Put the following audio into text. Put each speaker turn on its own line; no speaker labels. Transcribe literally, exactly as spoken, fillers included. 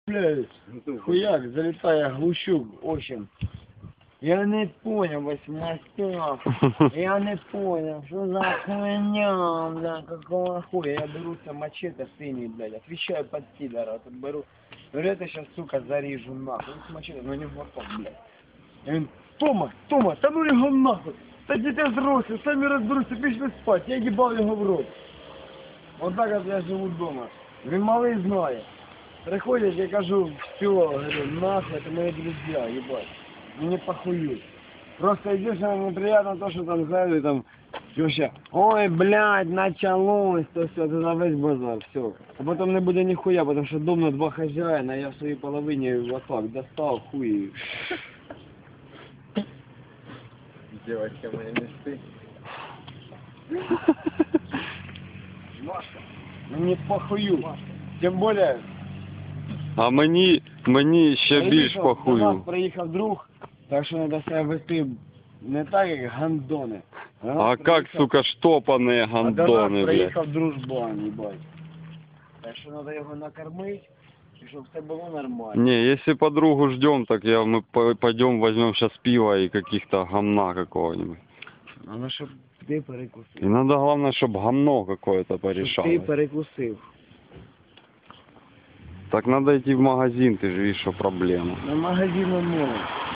Блядь, хуяк, залетая глущук, в общем. Я не понял, восьмостях. Я не понял, что за хуйня, бля, какого хуя. Я беру все мачете синий, блядь, отвечаю под пидора, тут беру. Говорю, это сейчас, сука, зарежу нахуй. Ну, с мачете, но не в глоток, блядь. Я говорю, Тома, Тома, та ну його нахуй. Та діти взрослі, самі розберуться, пішли спать. Я їбав його в рот. Вот так вот я живу дома. Він малий знає. Приходять, я кажу, все, говорю, нахуй, это мои друзья, ебать. Мне похуй. Просто единственное неприятно то, что там сзади там вообще, ой, блядь, началось, то все, это за весь базар, все. А потом не буде нихуя, потому что дом на два хозяина, я в своей половине вот так достал хуй.
Девочка моей мечты.
Машка, мне похую. Тем более...
А мені, мені ще більш
До нас
похую.
приїхав друг, так що треба себе вести не так, як гандони. До нас
А
приїхав-
как, сука, штопаные
А до
гандоны,
нас
блядь.
приїхав дружбан, їбать. Так що треба його накормити, і щоб все було нормально.
Не, если подругу ждем, так я, мы по- пойдем возьмем сейчас пиво и каких-то гамна какого-нибудь.
Але щоб ти перекусив.
И надо, главное, чтобы гамно какое-то
Щоб ти
порешалось.
перекусив.
Так надо идти в магазин, ты же видишь, что проблема.
На магазину мова.